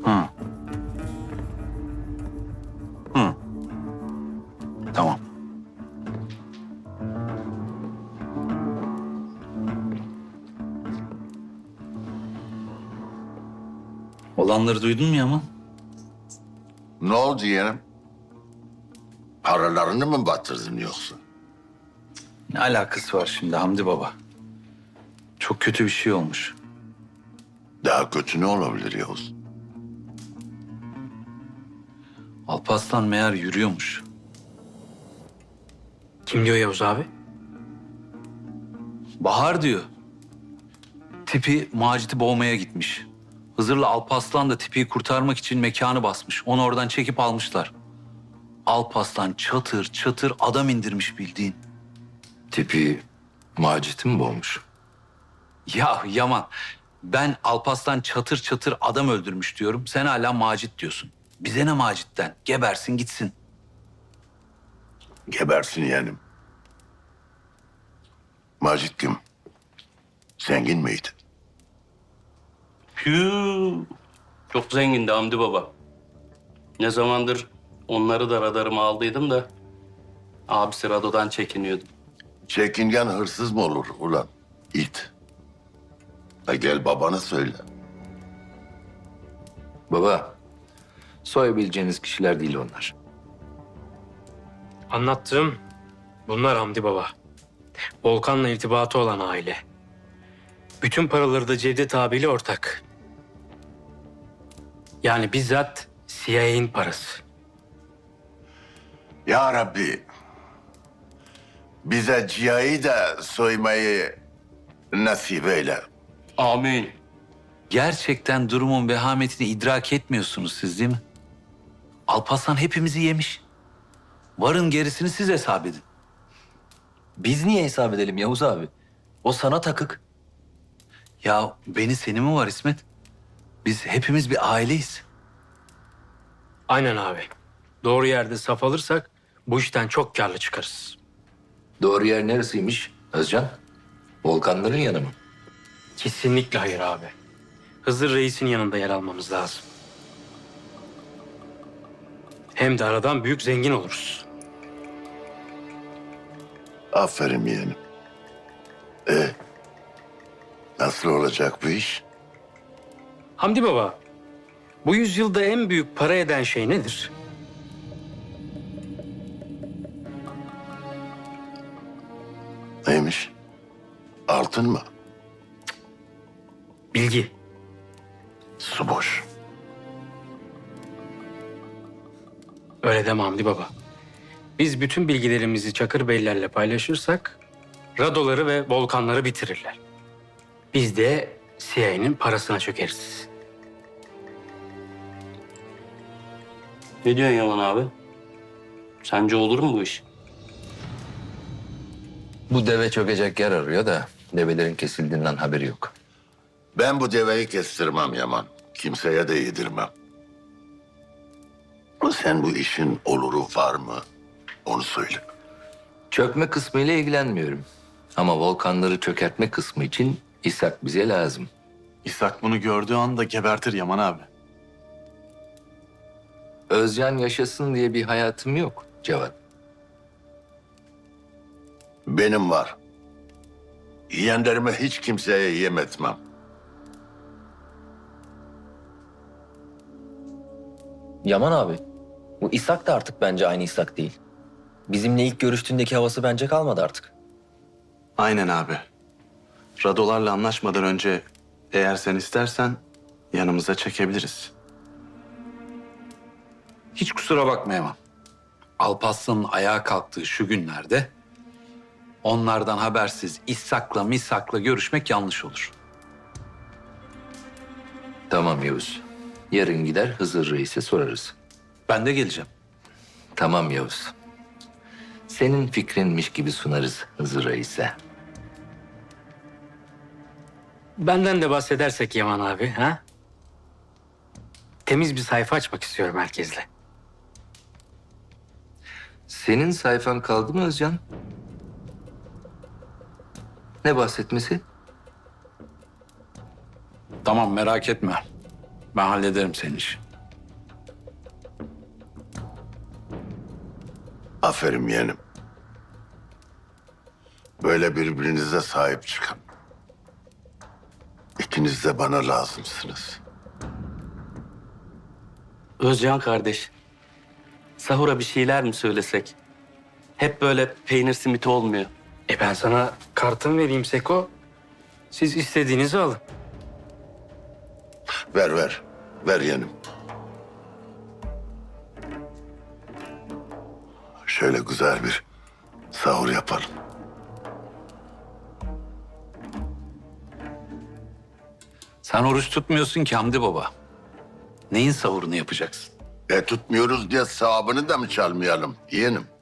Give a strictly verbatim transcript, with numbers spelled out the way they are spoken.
Hı. Hı. Tamam. Olanları duydun mu Yaman? Ne oldu yeğenim? Paralarını mı batırdın yoksa? Ne alakası var şimdi Hamdi Baba? Çok kötü bir şey olmuş. Daha kötü ne olabilir Yavuz? Alparslan meğer yürüyormuş. Kim diyor Yavuz abi? Bahar diyor. Tipi Macit'i boğmaya gitmiş. Hızır'la Alparslan da tipiyi kurtarmak için mekanı basmış. Onu oradan çekip almışlar. Alparslan çatır çatır adam indirmiş bildiğin. Tipi Macit'i mi boğmuş? Ya Yaman, ben Alparslan çatır çatır adam öldürmüş diyorum. Sen hala Macit diyorsun. Bize ne Macit'ten? Gebersin gitsin. Gebersin yeğenim. Macit kim? Zengin miydi? Hüüü. Çok zengindi Hamdi Baba. Ne zamandır onları da radarıma aldıydım da abisi Rado'dan çekiniyordu. Çekingen hırsız mı olur ulan? İt. Ha gel babana söyle. Baba, soyabileceğiniz kişiler değil onlar. Anlattığım bunlar Hamdi Baba. Volkan'la irtibatı olan aile. Bütün paraları da Cevdet abiyle ortak. Yani bizzat C I A'nin parası. Ya Rabbi. Bize cihayı da soymayı nasip eyle. Amin. Gerçekten durumun vehametini idrak etmiyorsunuz siz değil mi? Alparslan hepimizi yemiş. Varın gerisini siz hesap edin. Biz niye hesap edelim Yavuz abi? O sana takık. Ya beni seni mi var İsmet? Biz hepimiz bir aileyiz. Aynen abi. Doğru yerde saf alırsak bu işten çok karlı çıkarız. Doğru yer neresiymiş Özcan? Volkanların yanı mı? Kesinlikle hayır abi. Hızır Reis'in yanında yer almamız lazım. Hem de aradan büyük zengin oluruz. Aferin yeğenim. E, nasıl olacak bu iş? Hamdi Baba, bu yüzyılda en büyük para eden şey nedir? Neymiş? Altın mı? Bilgi. Su boş. Öyle deme Hamdi Baba. Biz bütün bilgilerimizi Çakır Beylerle paylaşırsak Radoları ve Volkanları bitirirler. Biz de C I A'nin parasına çökeriz. Ne diyorsun Yaman abi? Sence olur mu bu iş? Bu deve çökecek yer arıyor da develerin kesildiğinden haberi yok. Ben bu deveyi kestirmem Yaman. Kimseye de yedirmem. Ama sen bu işin oluru var mı? Onu söyle. Çökme kısmıyla ilgilenmiyorum. Ama volkanları çökertme kısmı için İshak bize lazım. İshak bunu gördüğü anda gebertir Yaman abi. Özcan yaşasın diye bir hayatım yok Cevat. Benim var. Yeğenlerime hiç kimseye yem etmem. Yaman abi, bu İshak da artık bence aynı İshak değil. Bizimle ilk görüştüğündeki havası bence kalmadı artık. Aynen abi. Radolarla anlaşmadan önce eğer sen istersen yanımıza çekebiliriz. Hiç kusura bakma Yaman. Alparslan'ın ayağa kalktığı şu günlerde onlardan habersiz İshak'la misak'la görüşmek yanlış olur. Tamam Yavuz. Yarın gider Hızır Reis'e sorarız. Ben de geleceğim. Tamam Yavuz. Senin fikrinmiş gibi sunarız Hızır Reis'e. Benden de bahsedersek Yaman abi, ha? Temiz bir sayfa açmak istiyorum herkesle. Senin sayfan kaldı mı Özcan? Ne bahsetmesi? Tamam merak etme. Ben hallederim senin işi. Aferin yeğenim. Böyle birbirinize sahip çıkın. İkiniz de bana lazımsınız. Özcan kardeş, sahura bir şeyler mi söylesek? Hep böyle peynir simiti olmuyor. E ben sana kartımı vereyim Seko. Siz istediğinizi alın. Ver ver. Ver yeğenim. Şöyle güzel bir sahur yapalım. Sen oruç tutmuyorsun ki Hamdi Baba. Neyin sahurunu yapacaksın? E tutmuyoruz diye sevabını da mı çalmayalım yeğenim?